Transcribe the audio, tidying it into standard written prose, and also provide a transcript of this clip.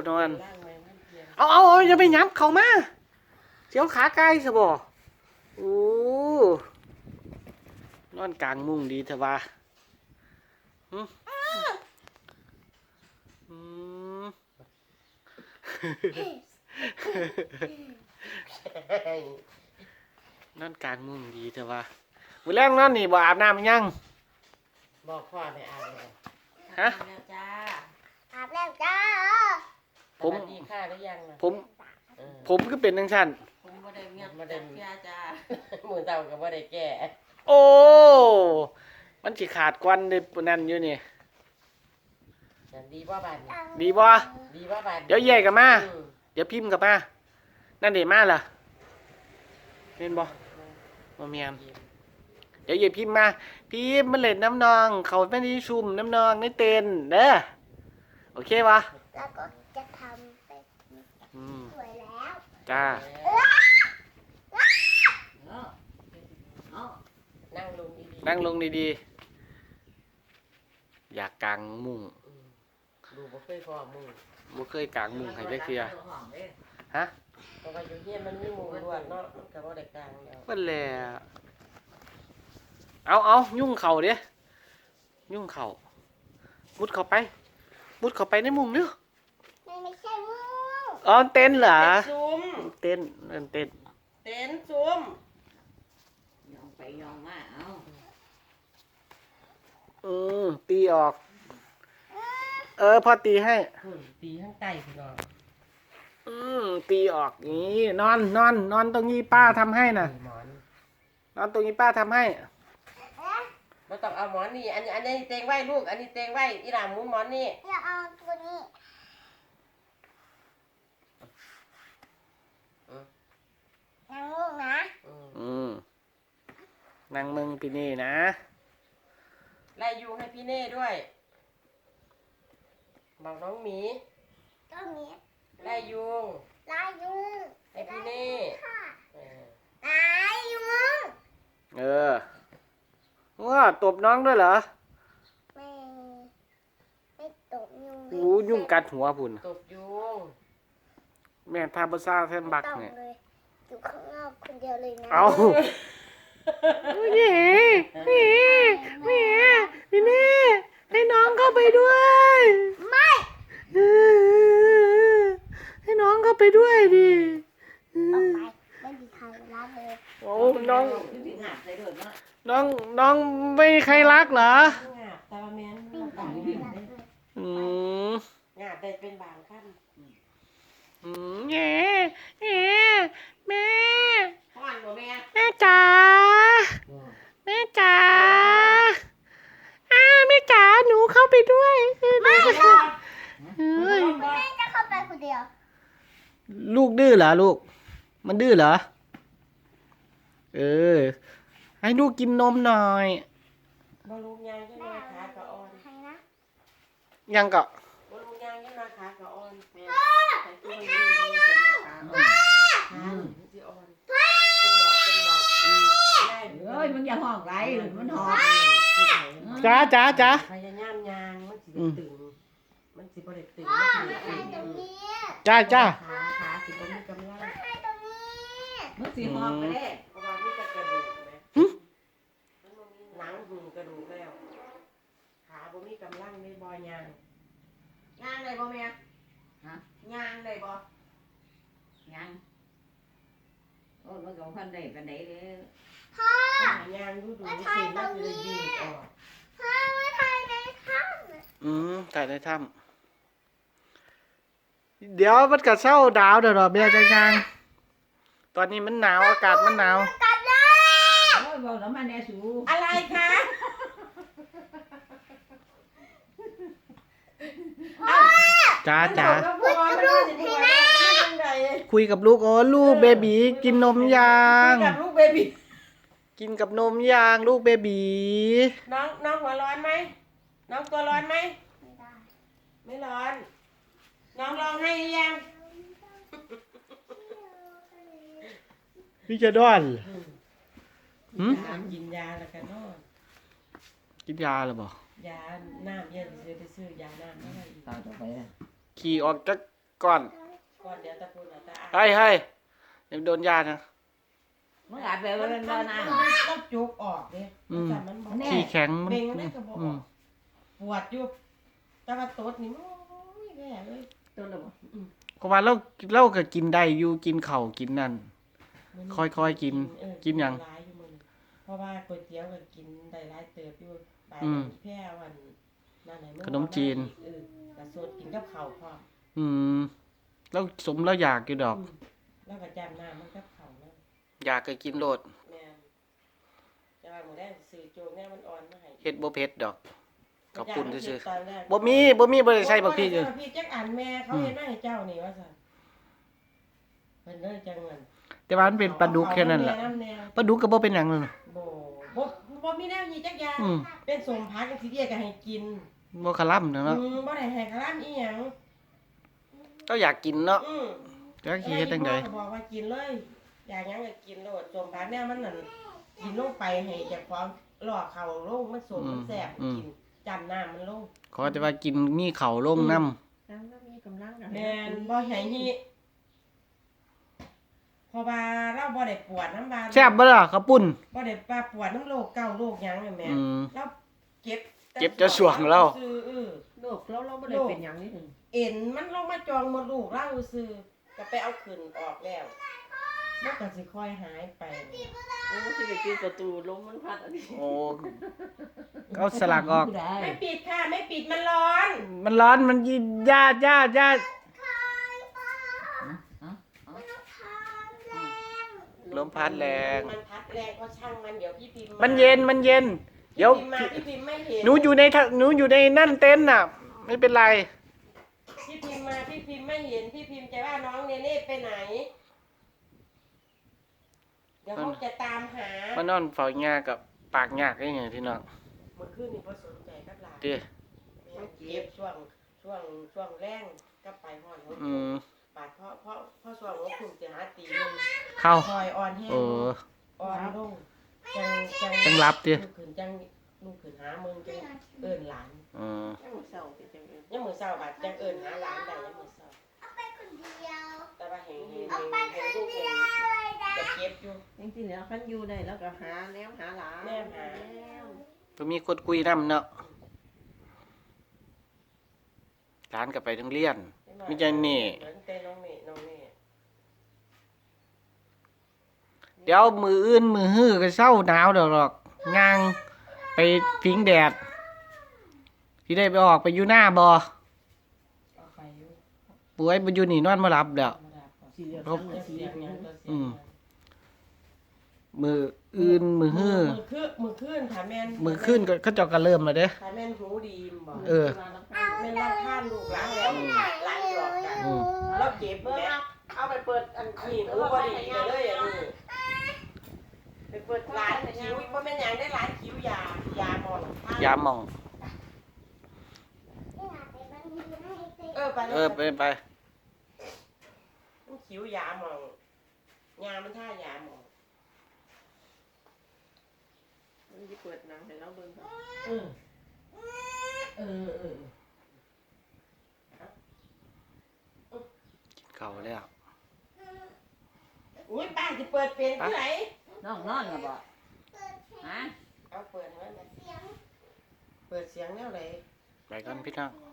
นอนเอาอย่าไปย้ำเข้ามาเสียวขาไกลซะบ่โอ้นอนกลางมุ้งดีเถอะวะนอนกลางมุ้งดีเถอะวะมื้อแรกนอนนี่บ่อาบน้ำยังบอกพ่อให้อาบเลยฮะอาบแล้วจ้าอาบแล้วจ้าผมดีค่าหรือยังนะผมก็เป็นจังซั่นผมบ่ได้เงียบบ่ได้เสียจ้ามือเต่าก็บ่ได้แก่โอ้มันสิขาดควันได้ปานนั้นอยู่นี่ดีบ่บาดนี้ดีบ่ดีบ่บาดเดี๋ยวแยกกันมาเดี๋ยวพิมพ์กลับมานั่นเด้มาล่ะเห็นบ่บ่แม่นเดี๋ยวอย่าพิมพ์มาพิมพ์มาเล่นน้ำนองเขาไม่ได้ชุมน้ำนองในเต็นเด้อโอเควะแล้วก็จะทำเป็นสวยแล้วจ้านั่งลงดีๆอยากกางมุ้งดูบ่เคยพอมุ้งบ่เคยกางมุ้งให้จักเทื่อฮะเพราะว่าอยู่เฮียนมันมีมุ้งล้วนเนาะมันก็บ่ได้กางแล้วเพิ่นแหละเอายุ่งเข่าเด้ยุ่งเข่ามุดเข้าไปในมุ้งเด้อไม่ใช่มุ้งอ๋อเต็นเหรอเต็นซุ้มยองไปยองมาตีออกพอตีให้ตีข้างใต้พี่น้องตีออกนี่นอนตรงนี้ป้าทำให้น่ะนอนตรงนี้ป้าทำให้ไม่ต้องเอาหมอนนี่อันนี้เตียงไว้ลูกอันนี้เตียงไว้อีหลาหมุนหมอนนี่อย่าเอาตัวนี้นั่งมุ้งนะนั่งมึงพี่นี่นะไล่ยุงให้พี่เน่ด้วยบอกน้องหมีตัวนี้ไล่ยุงให้พี่เน่ไล่ยุงว่าตบน้องด้วยเหรอไม่ตบยุงยุ่งกัดหัวพุ่นตบยุงแม่ทาบซ่าแทนบักเนี่ยอยู่ข้างนอกคนเดียวเลยนะเอาพี่เน่ให้น้องเข้าไปด้วยไม่ให้น้องเข้าไปด้วยดิไม่มีใครรักเลยโอ้น้องไม่มีใครรักเหรอแต่ว่าแม่งาได้เป็นบางขั้นแม่พ่อนบ่แม่แม่จ๋าแม่จ๋าหนูเข้าไปด้วยไม่จะเข้าไปคนเดียวลูกดื้อเหรอลูกมันดื้อเหรอให้ลูกกินนมหน่อยบ่ลูกยางยังมาขากะอ่อนใครนะยังกะบ่ลูกยางยังมาขากะอ่อนแม่มึงอย่าห้องไรมันหอมจ้าพยายามยางมันสิตึงมันสิบ่ได้ตึงจ้าขาสิบ่มีกำลังมึงสิหอมไปได้เพราะว่ามีแต่กระดูกแม่มันบ่มีหนังหูกระดูกแล้วขาบ่มีกำลังในบ่ยางได้บ่แม่ฮะยางได้บ่ยังโอ้มันก็พันได้ปานใดเด้อพ่อยางดูสิมันจะยืดออกพ่อมาถ่ายในถ้ำถ่ายในถ้ำเดี๋ยวมันกัดเศร้าดาวเดี๋ยวเบียร์จังตอนนี้มันหนาวอากาศมันหนาวกัดเลยโอ้ยบอกแล้วมาแน่สูอะไรคะจ้าคุยกับลูกลูกเบบีกินนมยางกับลูกเบบีกินกับนมยางลูกเบบีน้องหัวร้อนไหมน้องตัวร้อนไหมไม่ร้อนน้องลองให้ยังพี่จะด้อนกินยาแล้วกันนอนกินยาหรือเปล่ายาน้ำเย็นไปซื้อยาน้ำอะไรต่อไปขี่ออกจากก่อนก่อนเดี๋ยวตะพูนเอาตะอาเฮ้ยเดี๋ยวโดนยานะมึงอาจไปว่าเป็นบ่นะต้องจุกออกเด้อืมแต่มันบ่แน่ขี้แข็งมันเบ่งได้ก็บ่ออือมกปวดอยู่แต่ว่าตดนี่โอ้ยแย่เลยตัวละบ่ก็ว่าเราก็กินได้อยู่กินข้าวกินนั่น ค่อยๆกินเออกินหยังหลายอยู่มื้อนี้เพราะว่าก๋วยเตี๋ยวก็กินได้หลายเติบอยู่ไปอืมแพร่วันนั่นไหนขนมจีนเออกระสดกินกับข้าวพร้อมอืมแล้วสมแล้วอยากอยู่ดอกแล้วก็จำหน้ามันกับข้าวนั่นอยากก็กินโลดแม่นแต่ว่าหมื้อแรกซื้อโจกแน่มันอ่อนมาให้เฮ็ดบ่เผ็ดดอกกับปุ่นซื่อตอนแรกๆบ่มีบ่ได้ใส่บักพริกเลเลย ยพี่จักอันแม่เขาเฮ็ดมาให้เจ้านี่ว่าซั่นเพิ่นเลยจังเงินแต่ว่ามันเป็นปลาดุกแค่นั้นแหละเอาแม่ปลาดุกก็บ่เป็นหยังเลยบ่บ่มีแนวนี้จักอย่างอืมเป็นสมพักจังซี่เดียก็ให้กินบ่คล่ำเนาะบ่ได้ให้คลามอีหยังก็อยากกินเนาะอือจักสิเฮ็ดจังได๋พ่อก็บอกว่ากินเลย อยากหยังก็กินโลดสมพักแนวมันนั่นกินลงไปให้เจ้าของล่อเข้าลงมันสมมันแซ่บกินจำน้ำมันลงขอแต่ว่ากินมีข้าวลงน้ำแล้วก็มีกำลังแม่นบ่ให้ฮีเพราะว่าเราบ่ได้ปวดน้ำบาดแซ่บบ่ล่ะข้าวปุ้นบ่ได้ปาปวดน้ำโรคเก่าโรคหยังเลยแม่อืมแล้วเจ็บเจ็บจะสวงเราซื่อโลกเราบ่ได้เป็นหยังนี่ถึงเอ็นมันลงมาจองมดลูกเราซื่อก็ไปเอาขึ้นออกแล้วมันก็สิค่อยหายไปโอ้สิไปปิดประตูลมมันพัดอันนี้โอ้เอาสลักออกไม่ปิดค่ะไม่ปิดมันร้อนมันร้อนมันยิญาติลมพัดแรงมันพัดแรงก็ช่างมันเดี๋ยวพี่พิมพ์มันเย็นเดี๋ยวพี่พิมพ์ไม่เห็นหนูอยู่ในนั่นเต็นท์น่ะ ไม่เป็นไรพี่พิมพ์มาพี่พิมพ์ไม่เห็นพี่พิมพ์จะว่าน้องเนเน่ไปไหน เดี๋ยวเขาจะตามหามานอนเฝ้าหญ้ากับปากหญ้าได้ไงพี่น้องเมื่อคืนนี่พอสนใจกับหลานเด้มันเก็บช่วงแรงก็ไปหอนหัวอืมบาดเพราะช่วงหัวคุมจะหาตีนึงเข้าคอยอ่อนแห้งเอออ่อนลงจังจังรับดิลูกขืนจังลูกขืนหามึงจังเอิ้นหลานอืมยังบ่เศร้าเป็นจังได๋ยังมือเศร้าบาดจังเอิ้นหาหลานได้ยังมือเศร้าไปคนเดียวแต่ว่าเห็นไปคลูนกเดีเห็ยนวเลยนะจะเก็บอยู่จริงๆแล้วคันอยู่ได้แล้วก็หาแนวหาหลานแนวหาแล้วก็มีคนคุยนำเนาะร้านก็ไปโรงเรียน มีใจนี่เหมือนเต้น้องเมย์น้องเมย์เดี๋ยวมืออื่นมือฮื้อก็เศร้าหนาวดอกย่างไปพิงแดดที่ได้ไปออกไปอยู่หน้าบ่เอาไปอยู่ป่วยบ่อยู่นี่นอนบ่หลับแล้วธรรมดาก่อนสิเหลือครัสับงจะกะสีเสียงหยังก็เสียงอืม มืออื่นมือฮื้อมือขึ้นค่ะแม่นมือขึ้นก็เขาเจ้าก็เริ่มแล้วเด้ค่ะแม่นหูดีมบ่เออแม่นรับท่านลูกหลานแล้วหลานหยอกกันอืมแล้วเก็บแม่เอาไปเปิดอันนี้หูบ่ดีไปเลยอันนี้ไปเปิดร้านคิ้วบ่แม่นหยังได้ร้านคิ้วยาหมองท่านยามหมองไปเออไปมันคิ้วยาหมองยามันท่ายาหมองมันสิเปิดหนังให้เราเบิ่งก่อนเออเออเออกินข้าวแล้วอุ้ยป้าจะเปิดเป็นที่ไหนน้องนอนก็บ่ฮะเอาเปิดให้มันเปิดเสียงแนวไหนไปกันพี่น้อง